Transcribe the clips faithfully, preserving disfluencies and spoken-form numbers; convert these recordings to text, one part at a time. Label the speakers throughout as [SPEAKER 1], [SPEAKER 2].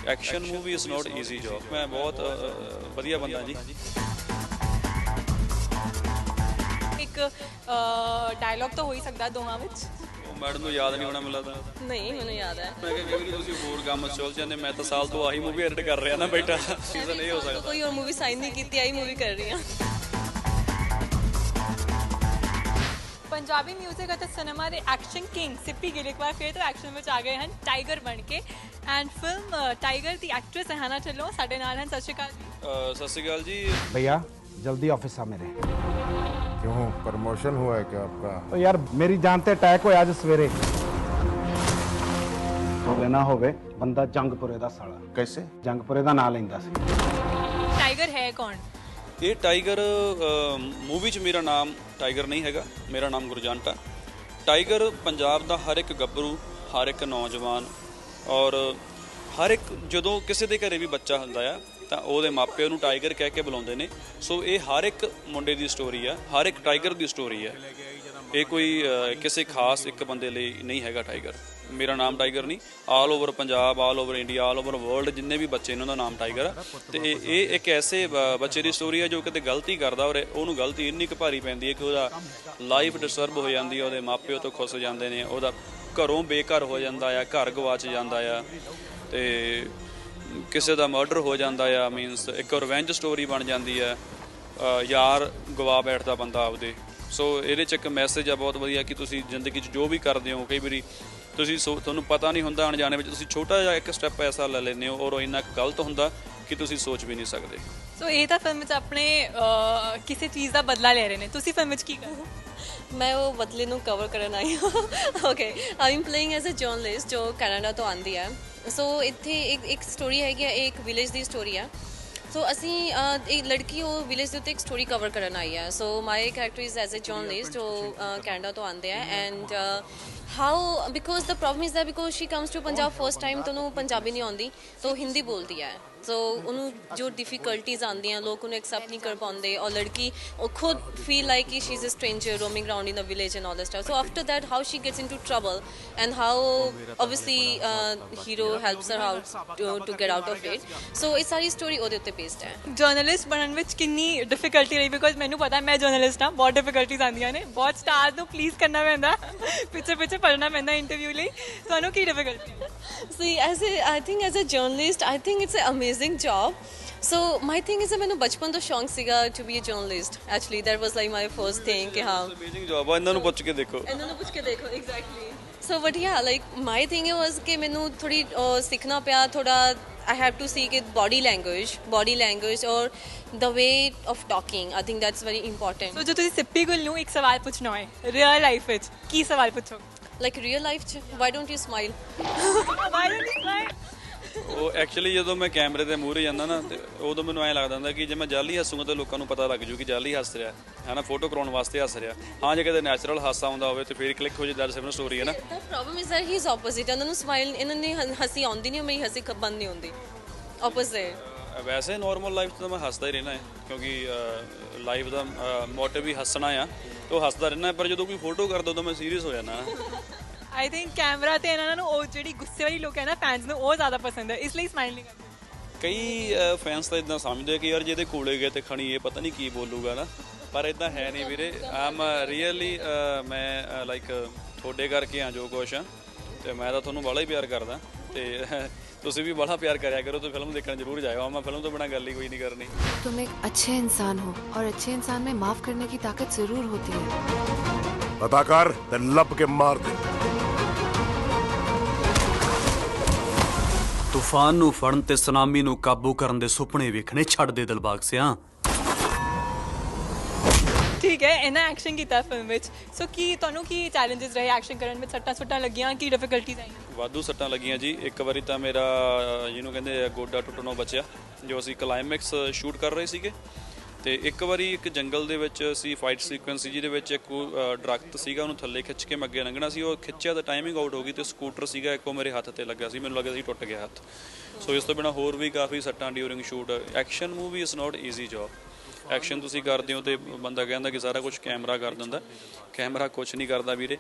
[SPEAKER 1] Action movie is not easy job. मैं बहुत वधिया बंदा जी।
[SPEAKER 2] एक डायलॉग तो हो ही सकता ਦੋਹਾਂ ਵਿੱਚ।
[SPEAKER 1] मैडम ਨੂੰ याद नहीं होना ਮੈਨੂੰ ਲੱਗਦਾ।
[SPEAKER 3] नहीं मैंने याद है।
[SPEAKER 1] ਮੈਂ ਕਿਹਾ ਕਿ ਤੁਸੀਂ ਹੋਰ ਕੰਮ ਚੁੱਲ ਜਾਂਦੇ, ਮੈਂ ਤਾਂ ਸਾਲ ਤੋਂ ਆਹੀ ਮੂਵੀ ਐਡਿਟ ਕਰ ਰਿਹਾ ਨਾ ਬੈਠਾ। ਸੀਜ਼ਨ ਇਹ ਹੋ ਸਕਦਾ
[SPEAKER 3] कोई और मूवी साइन नहीं की, आई मूवी कर रही हूँ।
[SPEAKER 2] ਪੰਜਾਬੀ ਮਿਊਜ਼ਿਕ ਅਤੇ ਸਿਨੇਮਾ ਦੇ ਐਕਸ਼ਨ ਕਿੰਗ ਸਿੱਪੀ ਗਿੱਲ ਇੱਕ ਵਾਰ ਫਿਰ ਤੋਂ ਐਕਸ਼ਨ ਵਿੱਚ ਆ ਗਏ ਹਨ ਟਾਈਗਰ ਬਣ ਕੇ। ਐਂਡ ਫਿਲਮ ਟਾਈਗਰ ਦੀ ਐਕਟਰੈਸ ਰਹਿਣਾ ਢਿੱਲੋਂ ਸਾਡੇ ਨਾਲ ਹਨ। ਸਤਿ ਸ਼੍ਰੀ ਅਕਾਲ ਜੀ।
[SPEAKER 1] ਅਹ ਸਤਿ ਸ਼੍ਰੀ ਅਕਾਲ ਜੀ।
[SPEAKER 4] भैया जल्दी ऑफिस आ मेरे।
[SPEAKER 5] क्यों प्रमोशन हुआ है क्या आपका?
[SPEAKER 4] तो यार मेरी जानते अटैक होया आज सवेरे। होवे ना होवे बंदा जंगपुरे दा साला।
[SPEAKER 5] कैसे?
[SPEAKER 4] जंगपुरे दा नाम लैंदा सी।
[SPEAKER 2] ਟਾਈਗਰ ਹੈ ਕੌਣ?
[SPEAKER 1] ਇਹ ਟਾਈਗਰ ਮੂਵੀ 'ਚ ਮੇਰਾ ਨਾਮ ਟਾਈਗਰ ਨਹੀਂ ਹੈਗਾ, ਮੇਰਾ ਨਾਮ ਗੁਰਜੰਟ ਆ। ਟਾਈਗਰ ਪੰਜਾਬ ਦਾ ਹਰ ਇੱਕ ਗੱਭਰੂ, ਹਰ ਇੱਕ ਨੌਜਵਾਨ ਔਰ ਹਰ ਇੱਕ ਜਦੋਂ ਕਿਸੇ ਦੇ ਘਰੇ ਵੀ ਬੱਚਾ ਹੁੰਦਾ ਆ ਤਾਂ ਉਹਦੇ ਮਾਪੇ ਉਹਨੂੰ ਟਾਈਗਰ ਕਹਿ ਕੇ ਬੁਲਾਉਂਦੇ ਨੇ। ਸੋ ਇਹ ਹਰ ਇੱਕ ਮੁੰਡੇ ਦੀ ਸਟੋਰੀ ਆ, ਹਰ ਇੱਕ ਟਾਈਗਰ ਦੀ ਸਟੋਰੀ ਆ। ਇਹ ਕੋਈ ਕਿਸੇ ਖਾਸ ਇੱਕ ਬੰਦੇ ਲਈ ਨਹੀਂ ਹੈਗਾ ਟਾਈਗਰ। ਮੇਰਾ ਨਾਮ ਟਾਈਗਰ ਨਹੀਂ, all over Punjab, all over India, all over world ਜਿੰਨੇ ਵੀ ਬੱਚੇ ਨੇ ਉਹਨਾਂ ਦਾ ਨਾਮ ਟਾਈਗਰ ਆ। ਤੇ ਇਹ ਇੱਕ ਐਸੇ ਬੱਚੇ ਦੀ ਸਟੋਰੀ ਆ ਜੋ ਕਿਤੇ ਗਲਤੀ ਕਰਦਾ ਔਰ ਉਹਨੂੰ ਗਲਤੀ ਇੰਨੀ ਕੁ ਭਾਰੀ ਪੈਂਦੀ ਹੈ ਕਿ ਉਹਦਾ ਲਾਈਫ ਡਿਸਟਰਬ ਹੋ ਜਾਂਦੀ ਹੈ, ਉਹਦੇ ਮਾਪਿਓ ਤੋਂ ਖੁੱਸ ਜਾਂਦੇ ਨੇ, ਉਹਦਾ ਘਰੋਂ ਬੇਘਰ ਹੋ ਜਾਂਦਾ ਆ, ਘਰ ਗਵਾਚ ਜਾਂਦਾ ਆ, ਤੇ ਕਿਸੇ ਦਾ ਮਰਡਰ ਹੋ ਜਾਂਦਾ ਆ। ਮੀਨਸ ਇੱਕ ਰਿਵੈਂਜ ਸਟੋਰੀ ਬਣ ਜਾਂਦੀ ਆ, ਯਾਰ ਗਵਾ ਬੈਠਦਾ ਬੰਦਾ ਆਪਦੇ। ਸੋ ਇਹਦੇ 'ਚ ਇੱਕ ਮੈਸੇਜ ਆ ਬਹੁਤ ਵਧੀਆ ਕਿ ਤੁਸੀਂ ਜ਼ਿੰਦਗੀ 'ਚ ਜੋ ਵੀ ਕਰਦੇ ਹੋ ਕਈ ਵਾਰੀ ਤੁਸੀਂ ਸੋ ਤੁਹਾਨੂੰ ਪਤਾ ਨਹੀਂ ਹੁੰਦਾ ਅਣਜਾਣੇ ਵਿੱਚ ਤੁਸੀਂ ਛੋਟਾ ਜਿਹਾ ਇੱਕ ਸਟੈਪ ਐਸਾ ਲੈ ਲੈਂਦੇ ਹੋ ਔਰ ਉਹ ਇੰਨਾ ਗਲਤ ਹੁੰਦਾ ਕਿ ਤੁਸੀਂ ਸੋਚ ਵੀ ਨਹੀਂ ਸਕਦੇ।
[SPEAKER 2] ਸੋ ਇਹ ਤਾਂ ਫਿਲਮ ਵਿੱਚ ਆਪਣੇ ਕਿਸੇ ਚੀਜ਼ ਦਾ ਬਦਲਾ ਲੈ ਰਹੇ ਨੇ, ਤੁਸੀਂ ਫਿਲਮ ਵਿੱਚ ਕੀ ਕਰ ਰਹੇ ਹੋ?
[SPEAKER 3] मैं वो बदले ਨੂੰ ਕਵਰ ਕਰਨ ਆਈ ਹਾਂ। Okay I am playing as a journalist ਜੋ ਕੈਨੇਡਾ ਤੋਂ ਆਉਂਦੀ ਹੈ। ਸੋ ਇੱਥੇ ਇੱਕ ਇੱਕ ਸਟੋਰੀ ਹੈਗੀ, ਇਹ ਇੱਕ ਵਿਲੇਜ ਦੀ ਸਟੋਰੀ ਆ। ਸੋ ਅਸੀਂ ਇੱਕ ਲੜਕੀ ਉਹ ਵਿਲੇਜ ਦੇ ਉੱਤੇ ਇੱਕ ਸਟੋਰੀ ਕਵਰ ਕਰਨ ਆਈ ਹੈ। So my character is as a journalist ਜੋ ਕੈਨੇਡਾ ਤੋਂ ਆਉਂਦੇ ਆ। And how because the problem is that because she comes to Punjab first time ਤਾਂ ਉਹਨੂੰ ਪੰਜਾਬੀ ਨਹੀਂ ਆਉਂਦੀ, ਤਾਂ ਉਹ ਹਿੰਦੀ ਬੋਲਦੀ ਹੈ। ਸੋ ਉਹਨੂੰ ਜੋ ਡਿਫਿਕਲਟੀਜ਼ ਆਉਂਦੀਆਂ ਲੋਕ ਉਹਨੂੰ ਐਕਸੈਪਟ ਨਹੀਂ ਕਰ ਪਾਉਂਦੇ ਔਰ ਲੜਕੀ ਉਹ ਖੁਦ ਫੀਲ ਲਾਈਕ ਕਿ she is a stranger roaming around in the village and all that stuff. So after that how she gets into trouble and how obviously hero helps her out to get out of it. So ਇਹ ਸਾਰੀ story ਉਹਦੇ ਉੱਤੇ based ਹੈ।
[SPEAKER 2] Journalist ਬਣਨ ਵਿੱਚ ਕਿੰਨੀ difficulty ਰਹੀ? Because ਮੈਨੂੰ ਪਤਾ ਮੈਂ ਜਰਨਲਿਸਟ ਹਾਂ, ਬਹੁਤ ਡਿਫਿਕਲਟੀਜ਼ ਆਉਂਦੀਆਂ ਨੇ, ਬਹੁਤ ਸਟਾਰ ਨੂੰ ਪਲੀਜ਼ ਕਰਨਾ ਪੈਂਦਾ, ਪਿੱਛੇ ਪਿੱਛੇ ਪੜ੍ਹਨਾ ਪੈਂਦਾ ਇੰਟਰਵਿਊ ਲਈ। ਤੁਹਾਨੂੰ ਕੀ difficulty?
[SPEAKER 3] See, as a, I think as a journalist, I think it's an amazing job. So my thing is that ਮੈਨੂੰ ਬਚਪਨ ਤੋਂ ਸ਼ੌਂਕ ਸੀਗਾ to be a journalist. Actually, that was like my first thing ਕਿ ਹਾਂ
[SPEAKER 1] amazing job ਆ। ਇਹਨਾਂ ਨੂੰ ਪੁੱਛ ਕੇ ਦੇਖੋ,
[SPEAKER 3] ਇਹਨਾਂ ਨੂੰ ਪੁੱਛ ਕੇ ਦੇਖੋ exactly. So but yeah, like my thing was ਕਿ ਮੈਨੂੰ ਥੋੜੀ ਸਿੱਖਣਾ ਪਿਆ ਥੋੜਾ। I have to see ਕਿ body language, body language or the way of talking. I think that's very important.
[SPEAKER 2] ਸੋ ਜੇ ਤੁਸੀਂ ਸਿੱਪੀ ਗੁੱਲ ਨੂੰ ਇੱਕ ਸਵਾਲ ਪੁੱਛਣਾ ਹੋਏ ਰੀਅਲ ਲਾਈਫ ਵਿੱਚ, ਕੀ ਸਵਾਲ ਪੁੱਛੋਗੇ?
[SPEAKER 3] Like real life ਚ why don't you smile?
[SPEAKER 2] Why don't you smile?
[SPEAKER 1] ਉਹ ਐਕਚੁਅਲੀ ਜਦੋਂ ਮੈਂ ਕੈਮਰੇ ਦੇ ਮੂਹਰੇ ਜਾਂਦਾ ਨਾ ਤੇ ਉਦੋਂ ਮੈਨੂੰ ਐਂ ਲੱਗਦਾ ਹੁੰਦਾ ਕਿ ਜੇ ਮੈਂ ਜਾਲੀ ਹੱਸੂਗਾ ਤਾਂ ਲੋਕਾਂ ਨੂੰ ਪਤਾ ਲੱਗ ਜੂ ਕਿ ਜਾਲੀ ਹੱਸ ਰਿਹਾ ਹੈ ਨਾ, ਫੋਟੋ ਕਰਾਉਣ ਵਾਸਤੇ ਹੱਸ ਰਿਹਾ। ਹਾਂ ਜੇ ਕਿਤੇ ਨੈਚੁਰਲ ਹਾਸਾ ਆਉਂਦਾ ਹੋਵੇ ਤੇ ਫਿਰ ਕਲਿੱਕ ਹੋ ਜੇ ਦੈਟਸ ਅ ਸਟੋਰੀ ਹੈ ਨਾ।
[SPEAKER 3] The problem is that he's opposite. ਇਹਨਾਂ ਨੂੰ ਸਮਾਈਲ ਇਹਨਾਂ ਨੇ ਹੱਸੀ ਆਉਂਦੀ ਨਹੀਂ, ਮੇਰੀ ਹੱਸੀ ਬੰਦ ਨਹੀਂ ਹੁੰਦੀ। Opposite.
[SPEAKER 1] ਵੈਸੇ ਨਾਰਮਲ ਲਾਈਫ 'ਚ ਤਾਂ ਮੈਂ ਹੱਸਦਾ ਹੀ ਰਹਿਣਾ ਹੈ ਕਿਉਂਕਿ ਲਾਈਫ ਦਾ ਮੋਟਿਵ ਵੀ ਹੱਸਣਾ ਆ, ਤੇ ਉਹ ਹੱਸਦਾ ਰਹਿਣਾ। ਪਰ ਜਦੋਂ ਕੋਈ ਫੋਟੋ ਕਰਦਾ ਉਦੋਂ ਮੈਂ ਸੀਰੀਅਸ ਹੋ ਜਾਂਦਾ।
[SPEAKER 2] ਆਈ ਥਿੰਕ ਕੈਮਰਾ ਤੇ ਇਹਨਾਂ ਨੂੰ ਉਹ ਜਿਹੜੀ ਗੁੱਸੇ ਵਾਲੀ ਲੋਕ ਹੈ ਨਾ ਫੈਨਸ ਨੂੰ ਉਹ ਜ਼ਿਆਦਾ ਪਸੰਦ ਹੈ, ਇਸ ਲਈ ਸਮਾਈਲ ਨਹੀਂ ਕਰਦੇ।
[SPEAKER 1] ਕਈ ਫੈਨਸ ਤਾਂ ਇਦਾਂ ਸਮਝਦੇ ਕਿ ਯਾਰ ਜਿਹਦੇ ਕੋਲੇ ਗਏ ਤੇ ਖਣੀ ਇਹ ਪਤਾ ਨਹੀਂ ਕੀ ਬੋਲੂਗਾ ਨਾ, ਪਰ ਇਦਾਂ ਹੈ ਨਹੀਂ ਵੀਰੇ। ਆਮ ਰੀਅਲੀ ਮੈਂ ਲਾਈਕ ਤੁਹਾਡੇ ਕਰਕੇ ਆ ਜੋ ਕੁਛ ਆ, ਤੇ ਮੈਂ ਤਾਂ ਤੁਹਾਨੂੰ ਬੜਾ ਹੀ ਪਿਆਰ ਕਰਦਾ ਤੇ ਤੁਸੀਂ ਵੀ ਬੜਾ ਪਿਆਰ ਕਰਿਆ ਕਰੋ। ਤੇ ਫਿਲਮ ਦੇਖਣ ਜ਼ਰੂਰ ਜਾਇਓ। ਮੈਂ ਫਿਲਮ ਤੋਂ ਬਿਨਾਂ ਗੱਲ ਹੀ ਕੋਈ ਨਹੀਂ ਕਰਨੀ।
[SPEAKER 6] तुम एक अच्छे इंसान हो और अच्छे इंसान में माफ करने की ताकत जरूर होती है।
[SPEAKER 5] अदाकार ते लब के मार दे।
[SPEAKER 7] ਤੂਫਾਨ ਨੂੰ ਫੜਨ ਤੇ ਸੁਨਾਮੀ ਨੂੰ ਕਾਬੂ ਕਰਨ ਦੇ ਸੁਪਨੇ ਵੇਖਣੇ ਛੱਡ ਦੇ ਦਿਲਬਾਗ ਸਿਆਂ।
[SPEAKER 2] ਠੀਕ ਹੈ, ਇਹਨਾਂ ਐਕਸ਼ਨ ਕੀਤਾ ਫਿਲਮ ਵਿੱਚ। ਸੋ ਕੀ ਤੁਹਾਨੂੰ ਕੀ ਚੈਲੰਜਸ ਰਹੇ ਐਕਸ਼ਨ ਕਰਨ ਵਿੱਚ? ਸੱਟਾਂ ਸੁੱਟਾਂ ਲੱਗੀਆਂ, ਕੀ ਡਿਫਿਕਲਟੀਜ਼ ਆਈਆਂ?
[SPEAKER 1] ਵਾਧੂ ਸੱਟਾਂ ਲੱਗੀਆਂ ਜੀ। ਇੱਕ ਵਾਰੀ ਤਾਂ ਮੇਰਾ ਜਿਹਨੂੰ ਕਹਿੰਦੇ ਗੋਡਾ ਟੁੱਟਣੋਂ ਬਚਿਆ ਜੋ ਅਸੀਂ ਕਲਾਈਮੈਕਸ ਸ਼ੂਟ ਕਰ ਰਹੇ ਸੀਗੇ। ਤੇ ਇੱਕ ਵਾਰੀ ਇੱਕ ਜੰਗਲ ਦੇ ਵਿੱਚ ਅਸੀਂ ਫਾਈਟ ਸੀਕੁਐਂਸ ਸੀ ਜਿਹਦੇ ਵਿੱਚ ਇੱਕ ਦਰਖਤ ਸੀਗਾ, ਉਹਨੂੰ ਥੱਲੇ ਖਿੱਚ ਕੇ ਮੈਂ ਅੱਗੇ ਲੰਘਣਾ ਸੀ। ਉਹ ਖਿੱਚਿਆ ਤਾਂ ਟਾਈਮਿੰਗ ਆਊਟ ਹੋ ਗਈ ਤੇ ਸਕੂਟਰ ਸੀਗਾ ਇੱਕ ਉਹ ਮੇਰੇ ਹੱਥ ਤੇ ਲੱਗਾ ਸੀ, ਮੈਨੂੰ ਲੱਗਦਾ ਸੀ ਟੁੱਟ ਗਿਆ ਹੱਥ। ਸੋ ਇਸ ਤੋਂ ਬਿਨਾਂ ਹੋਰ ਵੀ ਕਾਫੀ ਸੱਟਾਂ during shoot. Action movie is not easy job. Action ਤੁਸੀਂ ਕਰਦੇ ਹੋ ਤੇ ਬੰਦਾ ਕਹਿੰਦਾ ਕਿ ਸਾਰਾ ਕੁਝ ਕੈਮਰਾ ਕਰ ਦਿੰਦਾ, ਕੈਮਰਾ ਕੁਛ ਨਹੀਂ ਕਰਦਾ ਵੀਰੇ।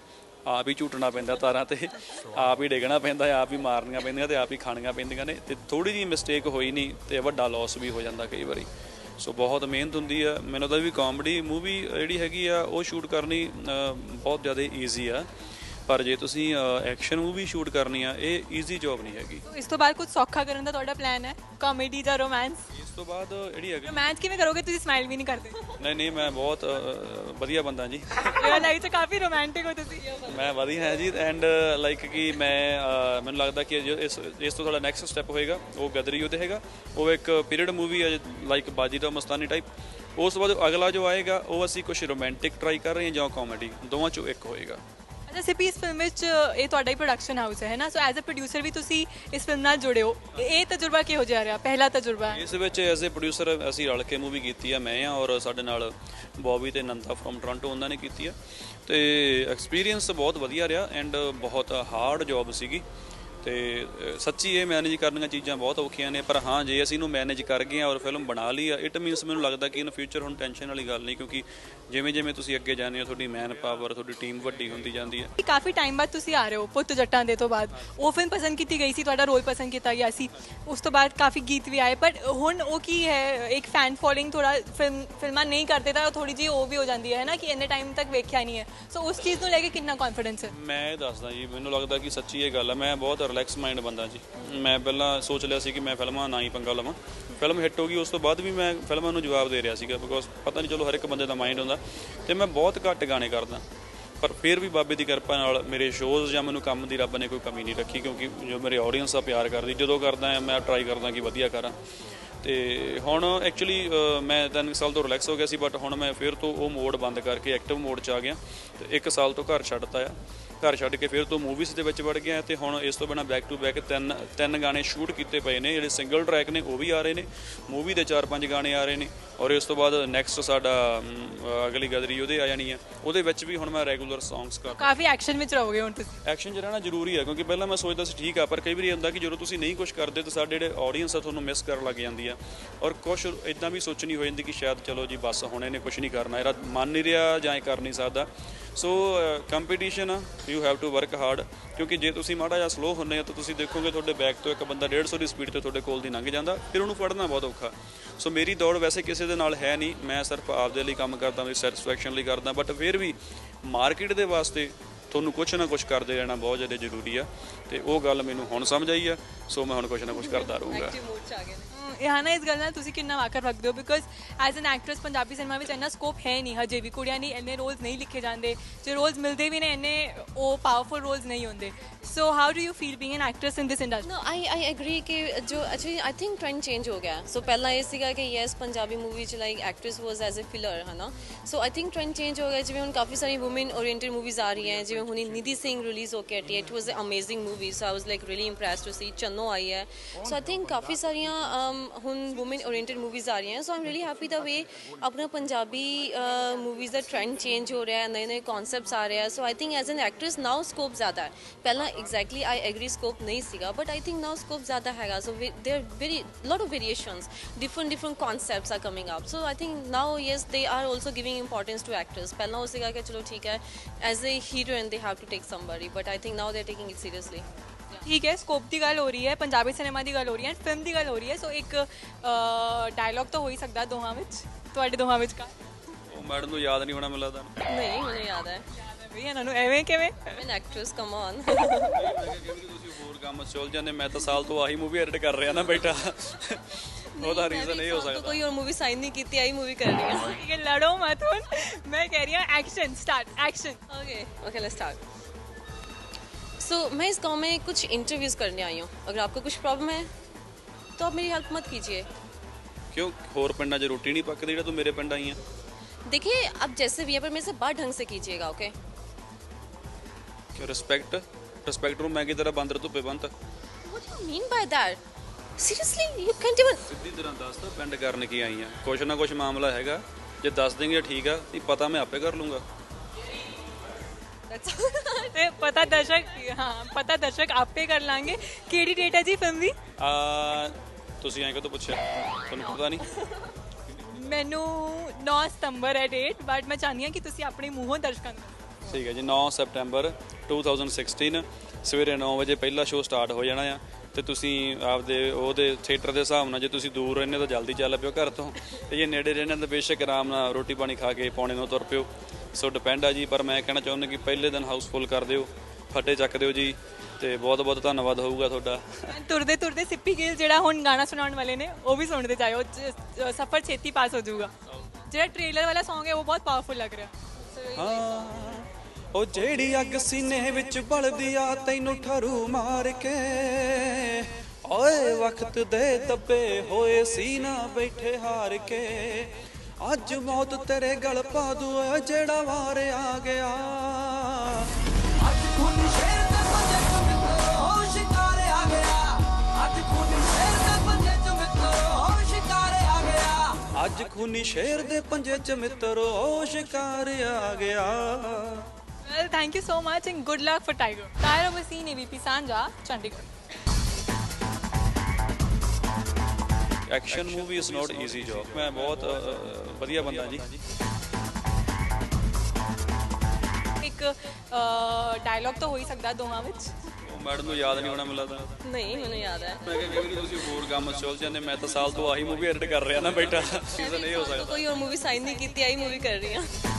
[SPEAKER 1] ਆਪ ਹੀ ਝੂਟਣਾ ਪੈਂਦਾ ਤਾਰਾਂ ਤੇ, ਆਪ ਹੀ ਡਿੱਗਣਾ ਪੈਂਦਾ, ਆਪ ਹੀ ਮਾਰਨੀਆਂ ਪੈਂਦੀਆਂ ਤੇ ਆਪ ਹੀ ਖਾਣੀਆਂ ਪੈਂਦੀਆਂ ਨੇ, ਤੇ ਥੋੜੀ ਜਿਹੀ ਮਿਸਟੇਕ ਹੋਈ ਨਹੀਂ ਤੇ ਵੱਡਾ ਲਾਸ ਵੀ ਹੋ ਜਾਂਦਾ ਕਈ ਵਾਰੀ। ਸੋ ਬਹੁਤ ਮਿਹਨਤ ਹੁੰਦੀ ਆ। ਮੈਨੂੰ ਤਾਂ ਵੀ ਕਾਮੇਡੀ ਮੂਵੀ ਜਿਹੜੀ ਹੈਗੀ ਆ ਉਹ ਸ਼ੂਟ ਕਰਨੀ ਅ, ਬਹੁਤ ਜ਼ਿਆਦਾ ਈਜ਼ੀ ਆ, ਪਰ ਜੇ ਤੁਸੀਂ ਐਕਸ਼ਨ ਮੂਵੀ ਸ਼ੂਟ ਕਰਨੀ ਆ ਇਹ ਈਜ਼ੀ ਜੌਬ ਨਹੀਂ ਹੈਗੀ।
[SPEAKER 2] ਇਸ ਤੋਂ ਬਾਅਦ ਕੁਝ ਸੌਖਾ ਕਰਨ ਦਾ ਤੁਹਾਡਾ ਪਲਾਨ ਹੈ, ਕਾਮੇਡੀ ਜਾਂ ਰੋਮਾਂਸ?
[SPEAKER 1] ਇਸ ਤੋਂ ਬਾਅਦ ਜਿਹੜੀ ਹੈਗੀ,
[SPEAKER 2] ਰੋਮਾਂਸ ਕਿਵੇਂ ਕਰੋਗੇ, ਤੁਸੀਂ ਸਮਾਈਲ ਵੀ ਨਹੀਂ ਕਰਦੇ।
[SPEAKER 1] ਨਹੀਂ ਨਹੀਂ ਮੈਂ ਬਹੁਤ ਅ, ਵਧੀਆ ਬੰਦਾ ਜੀ।
[SPEAKER 2] ਰੀਅਲ ਲਾਈਫ 'ਚ ਕਾਫੀ ਰੋਮਾਂਟਿਕ ਹੋ ਤੁਸੀਂ।
[SPEAKER 1] ਮੈਂ ਵਧੀਆ ਹਾਂ ਜੀ, ਐਂਡ ਲਾਈਕ ਕਿ ਮੈਂ ਅ, ਮੈਨੂੰ ਲੱਗਦਾ ਕਿ ਜੋ ਇਸ ਇਸ ਤੋਂ ਸਾਡਾ ਨੈਕਸਟ ਸਟੈਪ ਹੋਏਗਾ ਉਹ ਗਦਰੀ ਯੁੱਧ ਹੈਗਾ। ਉਹ ਇੱਕ ਪੀਰੀਅਡ ਮੂਵੀ ਹੈ ਲਾਈਕ ਬਾਜੀਰਾਓ ਮਸਤਾਨੀ ਟਾਈਪ। ਉਸ ਤੋਂ ਬਾਅਦ ਅਗਲਾ ਜੋ ਆਏਗਾ ਉਹ ਅਸੀਂ ਕੁਝ ਰੋਮਾਂਟਿਕ ਟਰਾਈ ਕਰ ਰਹੇ ਹਾਂ ਜਾਂ ਕਾਮੇਡੀ, ਦੋਵਾਂ ਚੋਂ ਇੱਕ ਹੋਏਗਾ।
[SPEAKER 2] ਅੱਛਾ ਸਿੱਪੀ, ਇਸ ਫਿਲਮ ਵਿੱਚ ਇਹ ਤੁਹਾਡਾ ਹੀ ਪ੍ਰੋਡਕਸ਼ਨ ਹਾਊਸ ਹੈ ਨਾ, ਸੋ ਐਜ਼ ਅ ਪ੍ਰੋਡਿਊਸਰ ਵੀ ਤੁਸੀਂ ਇਸ ਫਿਲਮ ਨਾਲ ਜੁੜੇ ਹੋ, ਇਹ ਤਜਰਬਾ ਕਿਹੋ ਜਿਹਾ ਰਿਹਾ, ਪਹਿਲਾ ਤਜਰਬਾ ਹੈ?
[SPEAKER 1] ਇਸ ਵਿੱਚ ਐਜ਼ ਅ ਪ੍ਰੋਡਿਊਸਰ ਅਸੀਂ ਰਲ ਕੇ ਮੂਵੀ ਕੀਤੀ ਆ, ਮੈਂ ਆ ਔਰ ਸਾਡੇ ਨਾਲ ਬੌਬੀ ਤੇ ਨੰਦਾ ਫਰੋਮ ਟੋਰਾਂਟੋ, ਉਹਨਾਂ ਨੇ ਕੀਤੀ ਆ, ਤੇ ਐਕਸਪੀਰੀਅੰਸ ਬਹੁਤ ਵਧੀਆ ਰਿਹਾ ਐਂਡ ਬਹੁਤ ਹਾਰਡ ਜੌਬ ਸੀਗੀ। ਤੇ ਅ, ਸੱਚੀ ਇਹ ਮੈਨੇਜ ਕਰਨੀਆਂ ਚੀਜ਼ਾਂ ਬਹੁਤ ਔਖੀਆਂ ਨੇ, ਪਰ ਹਾਂ ਜੇ ਅਸੀਂ ਇਹਨੂੰ ਮੈਨੇਜ ਕਰ ਗਏ ਆ ਔਰ ਫਿਲਮ ਬਣਾ ਲਈ ਆ, ਇਟ ਮੀਨਸ ਮੈਨੂੰ ਲੱਗਦਾ ਕਿ ਇਨ ਫਿਊਚਰ ਹੁਣ ਟੈਨਸ਼ਨ ਵਾਲੀ ਗੱਲ ਨਹੀਂ, ਕਿਉਂਕਿ ਜਿਵੇਂ ਜਿਵੇਂ ਤੁਸੀਂ ਅੱਗੇ ਜਾਂਦੇ ਹੋ ਤੁਹਾਡੀ ਮੈਨ ਪਾਵਰ, ਤੁਹਾਡੀ ਟੀਮ ਵੱਡੀ ਹੁੰਦੀ ਜਾਂਦੀ ਹੈ।
[SPEAKER 2] ਕਾਫੀ ਟਾਈਮ ਬਾਅਦ ਤੁਸੀਂ ਆ ਰਹੇ ਹੋ ਪੁੱਤ ਜੱਟਾਂ ਦੇ ਤੋਂ ਬਾਅਦ, ਉਹ ਫਿਲਮ ਪਸੰਦ ਕੀਤੀ ਗਈ ਸੀ, ਤੁਹਾਡਾ ਰੋਲ ਪਸੰਦ ਕੀਤਾ ਗਿਆ ਸੀ, ਉਸ ਤੋਂ ਬਾਅਦ ਕਾਫੀ ਗੀਤ ਵੀ ਆਏ, ਪਰ ਹੁਣ ਉਹ ਕੀ ਹੈ, ਇੱਕ ਫੈਨ ਫੋਲੋਇੰਗ ਥੋੜਾ ਫਿਲਮ ਫਿਲਮਾਂ ਨਹੀਂ ਕਰਦੇ ਤਾਂ ਥੋੜੀ ਜਿਹੀ ਉਹ ਵੀ ਹੋ ਜਾਂਦੀ ਹੈ ਨਾ ਕਿ ਇੰਨੇ ਟਾਈਮ ਤੱਕ ਵੇਖਿਆ ਨਹੀਂ ਹੈ, ਸੋ ਉਸ ਚੀਜ਼ ਨੂੰ ਲੈ ਕੇ ਕਿੰਨਾ ਕੌਨਫੀਡੈਂਸ ਹੈ?
[SPEAKER 1] ਮੈਂ ਇਹ ਦੱਸਦਾ ਜੀ, ਮੈਨੂੰ ਲੱਗਦਾ ਕਿ ਸੱਚੀ ਇਹ ਗੱਲ ਆ, ਮੈਂ ਬਹੁਤ ਰਿਲੈਕਸ ਮਾਈਂਡ ਬੰਦਾ ਜੀ। ਮੈਂ ਪਹਿਲਾਂ ਸੋਚ ਲਿਆ ਸੀ ਕਿ ਮੈਂ ਫਿਲਮਾਂ ਨਾ ਹੀ ਪੰਗਾ ਲਵਾਂ, ਫਿਲਮ ਹਿੱਟ ਹੋ ਗਈ ਉਸ ਤੋਂ ਬਾਅਦ ਵੀ ਮੈਂ ਫਿਲਮਾਂ ਨੂੰ ਜਵਾਬ ਦੇ ਰਿਹਾ ਸੀਗਾ, ਬਿਕੋਜ਼ ਪਤਾ ਨਹੀਂ ਚਲੋ ਹਰ ਇੱਕ ਬੰਦੇ ਦਾ ਮਾਈਂਡ ਹੁੰਦਾ, ਤੇ ਮੈਂ ਬਹੁਤ ਘੱਟ ਗਾਣੇ ਕਰਦਾ, ਪਰ ਫਿਰ ਵੀ ਬਾਬੇ ਦੀ ਕਿਰਪਾ ਨਾਲ ਮੇਰੇ ਸ਼ੋਜ਼ ਜਾਂ ਮੈਨੂੰ ਕੰਮ ਦੀ ਰੱਬ ਨੇ ਕੋਈ ਕਮੀ ਨਹੀਂ ਰੱਖੀ, ਕਿਉਂਕਿ ਜੋ ਮੇਰੇ ਆਡੀਅנס ਆ ਪਿਆਰ ਕਰਦੀ, ਜਦੋਂ ਕਰਦਾ ਮੈਂ ਟਰਾਈ ਕਰਦਾ ਕਿ ਵਧੀਆ ਕਰਾਂ। ਤੇ ਹੁਣ ਐਕਚੁਅਲੀ ਮੈਂ ਤਿੰਨ ਸਾਲ ਤੋਂ ਰਿਲੈਕਸ ਹੋ ਗਿਆ ਸੀ, ਬਟ ਹੁਣ ਮੈਂ ਫਿਰ ਤੋਂ ਉਹ ਮੋਡ ਬੰਦ ਕਰਕੇ ਐਕਟਿਵ ਮੋਡ 'ਚ ਆ ਗਿਆ, ਤੇ ਇੱਕ ਸਾਲ ਤੋਂ ਘਰ ਛੱਡਤਾ ਆ, ਘਰ ਛੱਡ ਕੇ ਫਿਰ ਤੋਂ ਮੂਵੀਜ਼ ਦੇ ਵਿੱਚ ਵੜ ਗਿਆ, ਤੇ ਹੁਣ ਇਸ ਤੋਂ ਬਿਨਾਂ ਬੈਕ ਟੂ ਬੈਕ ਤਿੰਨ ਤਿੰਨ ਗਾਣੇ ਸ਼ੂਟ ਕੀਤੇ ਪਏ ਨੇ, ਜਿਹੜੇ ਸਿੰਗਲ ਟਰੈਕ ਨੇ ਉਹ ਵੀ ਆ ਰਹੇ ਨੇ, ਮੂਵੀ ਦੇ ਚਾਰ ਪੰਜ ਗਾਣੇ ਆ ਰਹੇ ਨੇ, ਔਰ ਇਸ ਤੋਂ ਬਾਅਦ ਨੈਕਸਟ ਸਾਡਾ ਅਮ, ਅਗਲੀ ਗਦਰੀ ਉਹਦੇ ਆ ਜਾਣੀ ਆ, ਉਹਦੇ ਵਿੱਚ ਵੀ ਹੁਣ ਮੈਂ ਰੈਗੂਲਰ ਸੌਂਗਸ ਕਰ।
[SPEAKER 2] ਕਾਫੀ ਐਕਸ਼ਨ ਵਿੱਚ ਰਹੋਗੇ ਹੁਣ ਤੁਸੀਂ?
[SPEAKER 1] ਐਕਸ਼ਨ 'ਚ ਰਹਿਣਾ ਜ਼ਰੂਰੀ ਹੈ, ਕਿਉਂਕਿ ਪਹਿਲਾਂ ਮੈਂ ਸੋਚਦਾ ਸੀ ਠੀਕ ਆ, ਪਰ ਕਈ ਵਾਰੀ ਹੁੰਦਾ ਕਿ ਜਦੋਂ ਤੁਸੀਂ ਨਹੀਂ ਕੁਝ ਕਰਦੇ ਤਾਂ ਸਾਡੇ ਜਿਹੜੇ ਆਡੀਅנס ਆ ਤੁਹਾਨੂੰ ਮਿਸ ਕਰਨ ਲੱਗ ਜਾਂਦੀ ਆ, ਔਰ ਕੁਛ ਇਦਾਂ ਵੀ ਸੋਚਣੀ ਹੋ ਜਾਂਦੀ ਕਿ ਸ਼ਾਇਦ ਚਲੋ ਜੀ ਬਸ ਹੁਣ ਇਹਨੇ ਕੁਝ ਨਹੀਂ ਕਰਨਾ, ਇਹਦਾ ਮਨ ਨਹੀਂ ਰਿਹਾ ਜਾਂ ਇਹ ਕਰ ਨਹੀਂ ਸਕਦਾ। ਸੋ ਕੰਪੀਟੀਸ਼ਨ ਆ, you have to work hard, ਕਿਉਂਕਿ ਜੇ ਤੁਸੀਂ ਮਾੜਾ ਜਿਹਾ ਸਲੋ ਹੁੰਦੇ ਆ ਤਾਂ ਤੁਸੀਂ ਦੇਖੋਗੇ ਤੁਹਾਡੇ ਬੈਕ ਤੋਂ ਇੱਕ ਬੰਦਾ ਡੇਢ ਸੌ ਦੀ ਸਪੀਡ ਤੇ ਤੁਹਾਡੇ ਕੋਲ ਦੀ ਲੰਘ ਜਾਂਦਾ, ਫਿਰ ਉਹਨੂੰ ਫੜਨਾ ਬਹੁਤ ਔਖਾ। ਸੋ ਮੇਰੀ ਦੌੜ ਵੈਸੇ ਕਿਸੇ ਦੇ ਨਾਲ ਹੈ ਨਹੀਂ, ਮੈਂ ਸਿਰਫ ਆਪਦੇ ਲਈ ਕੰਮ ਕਰਦਾ, ਮੇਰੀ ਸੈਟੀਸਫੈਕਸ਼ਨ ਲਈ ਕਰਦਾ, ਬਟ ਫਿਰ ਵੀ ਮਾਰਕੀਟ ਦੇ ਵਾਸਤੇ ਤੁਹਾਨੂੰ ਕੁਛ ਨਾ ਕੁਛ ਕਰਦੇ ਰਹਿਣਾ ਬਹੁਤ ਜ਼ਿਆਦਾ ਜ਼ਰੂਰੀ ਆ, ਤੇ ਉਹ ਗੱਲ ਮੈਨੂੰ ਹੁਣ ਸਮਝ ਆਈ ਆ, ਸੋ ਮੈਂ ਹੁਣ ਕੁਛ ਨਾ ਕੁਛ ਕਰਦਾ ਰਹੂੰਗਾ।
[SPEAKER 2] ਇਹਾਨਾ ਇਸ ਗੱਲ ਨਾਲ ਤੁਸੀਂ ਕਿੰਨਾ ਵਾਕਰ ਰੱਖਦੇ ਹੋ, because as an actress Punjabi cinema ਵਿੱਚ ਇੰਨਾ ਸਕੋਪ ਹੈ ਨਹੀਂ ਹਜੇ ਵੀ, ਕੁੜੀਆਂ ਨਹੀਂ ਇੰਨੇ ਰੋਲਸ ਨਹੀਂ ਲਿਖੇ ਜਾਂਦੇ, ਜੇ ਰੋਲਸ ਮਿਲਦੇ ਵੀ ਨੇ ਇੰਨੇ ਉਹ ਪਾਵਰਫੁਲ ਰੋਲਸ ਨਹੀਂ ਹੁੰਦੇ, so how do you feel being an actress in this industry?
[SPEAKER 3] No, I I agree कि जो actually I think trend change हो गया। So पहला ये सीगा कि yes पंजाबी मूवी च like actress was as a filler है ना। So I think trend change हो गया, जिवें हुन काफ़ी सारी women oriented movies आ रही हैं, जिवें हुनी निधि सिंह रिलीज होके हटी है, it was an amazing movie, so I was like really impressed to see। चन्नो आई है, so I think काफ़ी सारियां हुन women oriented movies आ रही हैं, so I'm really happy the way अपना पंजाबी movies दा trend change हो रहा है, नए नए concepts आ रहे हैं, so I think as an actress now scope ज़्यादा है। पहला exactly I agree scope नहीं सीगा, but I think now scope ज़्यादा हैगा, so we, there are very lot of variations, different different concepts are coming up, so I think now yes they are also giving importance to actors। पहला हो सीगा कि चलो ठीक है as a heroine they have to take somebody, but I think now they're taking it seriously।
[SPEAKER 2] ਠੀਕ ਹੈ, scope ਦੀ ਗੱਲ ਹੋ ਰਹੀ ਹੈ, ਪੰਜਾਬੀ ਸਿਨੇਮਾ ਦੀ ਗੱਲ ਹੋ ਰਹੀ ਹੈ, ਫਿਲਮ ਦੀ ਗੱਲ ਹੋ ਰਹੀ ਹੈ, ਸੋ ਇੱਕ ਡਾਇਲੌਗ ਤਾਂ ਹੋ ਹੀ ਸਕਦਾ ਦੋਹਾਂ ਵਿੱਚ, ਤੁਹਾਡੇ ਦੋਹਾਂ ਵਿੱਚ ਕਾ?
[SPEAKER 1] ਉਹ ਮੈਡਮ ਨੂੰ ਯਾਦ ਨਹੀਂ ਹੋਣਾ ਮੈਨੂੰ ਲੱਗਦਾ।
[SPEAKER 3] नहीं मुझे याद है,
[SPEAKER 2] ਵੀ ਇਹਨਾਂ ਨੂੰ ਐਵੇਂ ਕਿਵੇਂ?
[SPEAKER 3] I'm an actress, come on।
[SPEAKER 1] ਤੁਸੀਂ ਹੋਰ ਕੰਮ ਚੁੱਲ ਜਾਂਦੇ, ਮੈਂ ਤਾਂ ਸਾਲ ਤੋਂ ਆਹੀ ਮੂਵੀ ਐਡਿਟ ਕਰ ਰਿਹਾ ਨਾ ਬੇਟਾ, ਉਹਦਾ ਰੀਜ਼ਨ ਇਹ ਹੋ
[SPEAKER 3] तो
[SPEAKER 1] ਸਕਦਾ।
[SPEAKER 3] कोई और मूवी साइन नहीं की थी, आई मूवी कर रही है।
[SPEAKER 2] ਠੀਕ ਹੈ, ਲੜੋ ਮਤ ਹੁਣ, ਮੈਂ ਕਹਿ ਰਹੀ ਹਾਂ action start, action.
[SPEAKER 3] Okay okay let's start. So मैं इस गांव में कुछ इंटरव्यूज़ करने आई हूँ, अगर आपको कुछ प्रॉब्लम है तो आप मेरी हेल्प मत कीजिए।
[SPEAKER 1] ਕਿਉਂ ਹੋਰ ਪਿੰਡਾਂ 'ਚ ਰੋਟੀ ਨਹੀਂ ਪੱਕਦੀ ਜਿਹੜਾ ਤੂੰ ਮੇਰੇ ਪਿੰਡ ਆਈ ਆ?
[SPEAKER 3] देखिए आप जैसे भी है, पर मेरे से बात ढंग से कीजिएगा, ओके?
[SPEAKER 1] ਕਿ ਰਿਸਪੈਕਟ ਰਿਸਪੈਕਟ ਨੂੰ ਮੈਂ ਕੀ ਤਰ੍ਹਾਂ ਬਾਂਦਰ ਧੁੱਪੇ ਬੰਨਤਾ?
[SPEAKER 3] What do you mean by that? Seriously, you can't even।
[SPEAKER 1] ਸਿੱਧੀ ਤਰ੍ਹਾਂ ਦੱਸ ਤਾ ਪਿੰਡ ਕਰਨ ਕੀ ਆਈ ਆ, ਕੁਛ ਨਾ ਕੁਛ ਮਾਮਲਾ ਹੈਗਾ, ਜੇ ਦੱਸ ਦੇਂਗੇ ਠੀਕ ਆ, ਨਹੀਂ ਪਤਾ ਮੈਂ ਆਪੇ ਕਰ ਲੂੰਗਾ।
[SPEAKER 2] ਤੇ ਪਤਾ ਦਰਸ਼ਕ, ਹਾਂ ਪਤਾ ਦਰਸ਼ਕ ਆਪੇ ਕਰ ਲਾਂਗੇ। ਕਿਹੜੀ ਡੇਟ ਹੈ ਜੀ ਫਿਲਮ ਦੀ?
[SPEAKER 1] ਆ ਤੁਸੀਂ ਐਂ ਕਦੋਂ ਪੁੱਛਿਆ, ਤੁਹਾਨੂੰ ਪਤਾ ਨਹੀਂ?
[SPEAKER 2] ਮੈਨੂੰ ਨੌ ਸਤੰਬਰ ਹੈ ਡੇਟ, ਬਟ ਮੈਂ ਚਾਹੁੰਦੀ ਹਾਂ ਕਿ ਤੁਸੀਂ ਆਪਣੇ ਮੂੰਹੋਂ ਦਰਸ਼ਕਾਂ ਨੂੰ।
[SPEAKER 1] ਠੀਕ ਹੈ ਜੀ, ਨੌ ਸੈਪਟੈਂਬਰ ਦੋ ਹਜ਼ਾਰ ਸੋਲਾਂ ਸਵੇਰੇ ਨੌ ਵਜੇ ਪਹਿਲਾ ਸ਼ੋਅ ਸਟਾਰਟ ਹੋ ਜਾਣਾ ਆ ਤੇ ਤੁਸੀਂ ਆਪਦੇ ਉਹਦੇ ਥੀਏਟਰ ਦੇ ਹਿਸਾਬ ਨਾਲ ਜੇ ਤੁਸੀਂ ਦੂਰ ਰਹਿੰਦੇ ਤਾਂ ਜਲਦੀ ਚੱਲ ਪਿਓ ਘਰ ਤੋਂ ਤੇ ਜੇ ਨੇੜੇ ਰਹਿੰਦੇ ਤਾਂ ਬੇਸ਼ੱਕ ਆਰਾਮ ਨਾਲ ਰੋਟੀ ਪਾਣੀ ਖਾ ਕੇ ਪੌਣੇ ਨੂੰ ਤੁਰ ਪਿਓ। ਸੋ ਡਿਪੈਂਡ ਆ ਜੀ, ਪਰ ਮੈਂ ਕਹਿਣਾ ਚਾਹੁੰਦਾ ਕਿ ਪਹਿਲੇ ਦਿਨ ਹਾਊਸਫੁੱਲ ਕਰ ਦਿਓ, ਫੱਟੇ ਚੱਕ ਦਿਓ ਜੀ ਤੇ ਬਹੁਤ ਬਹੁਤ ਧੰਨਵਾਦ ਹੋਊਗਾ ਤੁਹਾਡਾ।
[SPEAKER 2] ਤੁਰਦੇ ਤੁਰਦੇ ਸਿੱਪੀ ਗਿੱਲ ਜਿਹੜਾ ਹੁਣ ਗਾਣਾ ਸੁਣਾਉਣ ਵਾਲੇ ਨੇ ਉਹ ਵੀ ਸੁਣਦੇ ਜਾਇਓ, ਜ- ਸਫ਼ਰ ਛੇਤੀ ਪਾਸ ਹੋ ਜਾਊਗਾ। ਜਿਹੜਾ ਟ੍ਰੇਲਰ ਵਾਲਾ Song ਹੈ ਉਹ ਬਹੁਤ ਪਾਵਰਫੁਲ ਲੱਗ ਰਿਹਾ।
[SPEAKER 1] ਹਾਂ ਉਹ ਜਿਹੜੀ ਅੱਗ ਸੀਨੇ ਵਿੱਚ ਬਲਦੀ ਆ ਤੈਨੂੰ ਠਰੂ ਮਾਰ ਕੇ, ਓਏ ਵਕਤ ਦੇ ਦੱਬੇ ਹੋਏ ਸੀ ਨਾ ਬੈਠੇ ਹਾਰ ਕੇ, ਅੱਜ ਮੌਤ ਤੇਰੇ ਗਲ ਪਾ ਦੂ ਓਏ ਜਿਹੜਾ ਵਾਰ ਆ ਗਿਆ।
[SPEAKER 8] ਅੱਜ ਖੂਨੀ ਸ਼ੇਰ ਦੇ ਪੰਜੇ ਚ ਮਿੱਤਰੋ ਸ਼ਿਕਾਰ ਆ ਗਿਆ, ਅੱਜ ਖੂਨੀ ਸ਼ੇਰ ਦੇ ਪੰਜੇ ਚ ਮਿੱਤਰੋ ਸ਼ਿਕਾਰ ਆ ਗਿਆ,
[SPEAKER 1] ਅੱਜ ਖੂਨੀ ਸ਼ੇਰ ਦੇ ਪੰਜੇ ਚ ਮਿੱਤਰੋ ਸ਼ਿਕਾਰ ਆ ਗਿਆ।
[SPEAKER 2] Well, thank you so much and good luck for Tiger. Tyra Wasim, A V P Sanja, Chandigarh.
[SPEAKER 1] Action movie is not easy job. ਮੈਂ ਬਹੁਤ ਅ, ਵਧੀਆ ਬੰਦਾ ਜੀ।
[SPEAKER 2] ਇੱਕ ਡਾਇਲੌਗ ਤਾਂ ਹੋ ਹੀ ਸਕਦਾ ਦੋਵਾਂ ਵਿੱਚ।
[SPEAKER 1] ਉਹ ਮੈਡਮ ਨੂੰ ਯਾਦ ਨਹੀਂ ਹੋਣਾ ਮੈਨੂੰ ਲੱਗਦਾ।
[SPEAKER 3] ਨਹੀਂ ਮੈਨੂੰ ਯਾਦ ਹੈ।
[SPEAKER 1] ਮੈਂ ਕਿਹਾ ਕਈ ਵਾਰੀ ਤੁਸੀਂ ਹੋਰ ਕੰਮ ਚੁੱਲ ਜਾਂਦੇ, ਮੈਂ ਤਾਂ ਸਾਲ ਤੋਂ ਆਹੀ ਮੂਵੀ ਐਡਿਟ ਕਰ ਰਿਹਾ ਨਾ ਬੈਠਾ, ਸੀਜ਼ਨ ਇਹ ਹੋ ਸਕਦਾ।
[SPEAKER 3] ਕੋਈ ਹੋਰ ਮੂਵੀ ਸਾਈਨ ਨਹੀਂ ਕੀਤੀ, ਆਹੀ ਮੂਵੀ ਕਰ ਰਹੀ ਹਾਂ।